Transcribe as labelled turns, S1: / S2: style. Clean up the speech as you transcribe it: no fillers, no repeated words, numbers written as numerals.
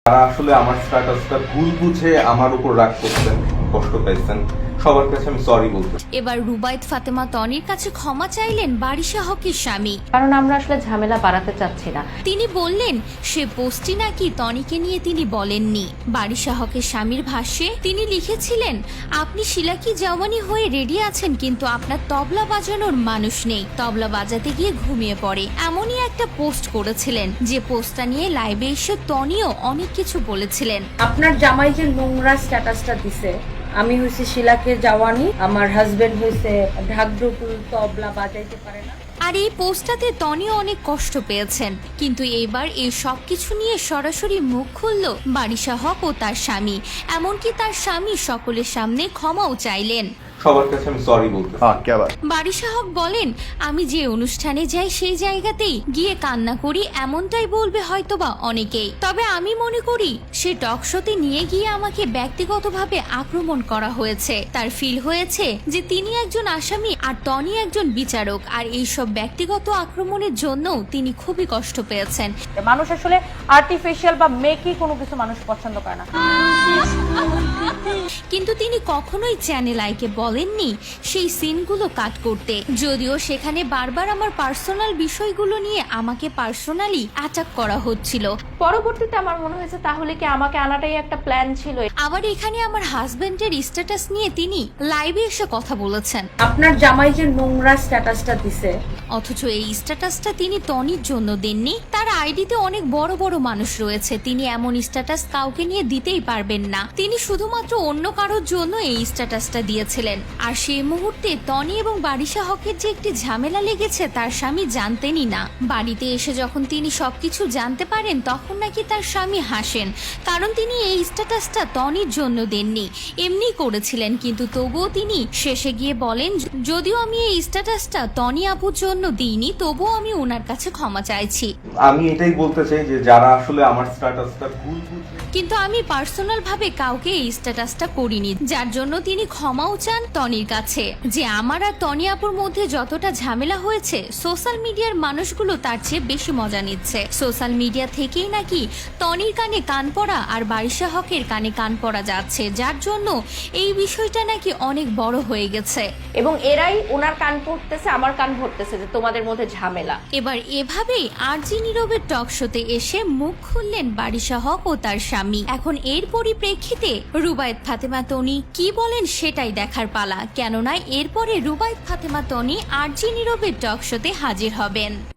S1: তারা আসলে আমার স্ট্যাটাসটা ভুল বুঝে আমার উপর রাগ করছেন, কষ্ট পাইছেন, সবার কাছে আমি সরি বলতে।
S2: এবার রুবায়েত ফাতেমা তনির কাছে ক্ষমা চাইলেন বারিশা হকের স্বামী,
S3: কারণ আমরা আসলে ঝামেলা বাড়াতে চাচ্ছি না।
S2: তিনি বললেন সে পোস্টটি নাকি তনিকে নিয়ে তিনি বলেননি। বারিশা হকের স্বামীর ভাষ্যে তিনি লিখেছিলেন, আপনি শিলাকি জওয়ানি হয়ে রেডি আছেন কিন্তু আপনার তবলা বাজানোর মানুষ নেই, তবলা বাজাতে গিয়ে ঘুমিয়ে পড়ে, এমনই একটা পোস্ট করেছিলেন। যে পোস্টটা নিয়ে লাইভে এসে তনিও অনেক কিছু বলেছিলেন।
S4: আপনার জামাই যে নোংরা স্ট্যাটাসটা দিছে, আমি হইছি শিলাকে জাওয়ানি, আমার হাজবেন্ড হইছে ঢাকঢুকুল তবলা বাজাইতে পারে না।
S2: আর এই পোস্টটাতে তনিও অনেক কষ্ট পেয়েছেন, কিন্তু এইবার এই সব কিছু নিয়ে সরাসরি মুখ খুলল বারিশা হক ও তার স্বামী, এমনকি তার স্বামী সকলের সামনে ক্ষমাও চাইলেন।
S1: সবার কাছে আমি সরি বলতে।
S2: বারিশা হক বলেন, আমি যে অনুষ্ঠানে যাই সেই জায়গাতেই গিয়ে কান্না করি এমনটাই বলবে হয়তোবা অনেকেই, তবে আমি মনে করি সে টক শোতে নিয়ে গিয়ে আমাকে ব্যক্তিগতভাবে আক্রমণ করা হয়েছে। তার ফিল হয়েছে যে তিনি একজন আসামি আর তনি একজন বিচারক, আর এইসব ব্যক্তিগত আক্রমণের জন্য তিনি খুবই কষ্ট পেয়েছেন।
S3: মানুষ আসলে আর্টিফিশিয়াল বা মেকি কোনো কিছু মানুষ পছন্দ করে না।
S2: কিন্তু তিনি কখনোই চ্যানেল আইকে বলেননি সেই সিনগুলো কাট করতে, যদিও সেখানে বারবার আমার পার্সোনাল বিষয়গুলো নিয়ে আমাকে পার্সোনালি অ্যাটাক করা হচ্ছিল।
S3: পরবর্তীতে আমার মনে হয়েছে তাহলে কি আমাকে আনাটাই একটা প্ল্যান ছিল।
S2: আবার এখানে আমার হাজবেন্ডের স্ট্যাটাস নিয়ে তিনি লাইভে এসে কথা বলেছেন।
S4: আপনার জামাই যে নোংরা স্ট্যাটাসটা দিছে,
S2: অথচ এই স্ট্যাটাসটা তিনি তনির জন্য দেননি। তার আইডিতে অনেক বড় বড় মানুষ রয়েছে, তিনি এমন স্ট্যাটাস কাউকে নিয়ে দিতেই পারবেন না। তিনি শুধুমাত্র অন্য কারোর জন্য এই স্ট্যাটাসটা দিয়েছিলেন। আর সেই মুহূর্তে তনি এবং বারিশা হকের যে একটি ঝামেলা লেগেছে তার স্বামী জানতেনই না। বাড়িতে এসে যখন তিনি সবকিছু জানতে পারেন তখন নাকি তার স্বামী হাসেন, কারণ তিনি এই স্ট্যাটাসটা তনির জন্য দেননি, এমনি করেছিলেন। কিন্তু তবুও তিনি শেষে গিয়ে বলেন, যদিও আমি এই স্ট্যাটাসটা তনি আপুর জন্য দিইনি, তবুও আমি ওনার কাছে ক্ষমা চাইছি।
S1: আমি এটাই বলতে চাই যে যারা আসলে আমার স্ট্যাটাসটা ভুল বুঝে,
S2: কিন্তু আমি পার্সোনাল ভাবে কাউকে এই স্ট্যাটাসটা করিনি, যার জন্য তিনি ক্ষমাও চান তনির কাছে। যে আমার আর তনি আপুর মধ্যে যতটা ঝামেলা হয়েছে, সোশ্যাল মিডিয়ার মানুষগুলো তার চেয়ে বেশি মজা নিচ্ছে। সোশ্যাল মিডিয়া থেকেই নাকি তনির কানে কান পড়া আর বারিশা হকের কানে কান পড়া যাচ্ছে, যার জন্য এই বিষয়টা নাকি অনেক বড় হয়ে গেছে
S3: এবং এরাই ওনার কান পড়তেছে, আমার কান ভরতেছে যে তোমাদের মধ্যে ঝামেলা।
S2: এবার এভাবেই আরজি নীরবের টক শোতে এসে মুখ খুললেন বারিশা হক ও তার স্বামী। এখন এর পরিপ্রেক্ষিতে রুবায়েত ফাতেমা তনি কি বলেন সেটাই দেখার পালা, কেননা এরপরে রুবায়েত ফাতেমা তনি আরজি নীরবের টক শোতে হাজির হবেন।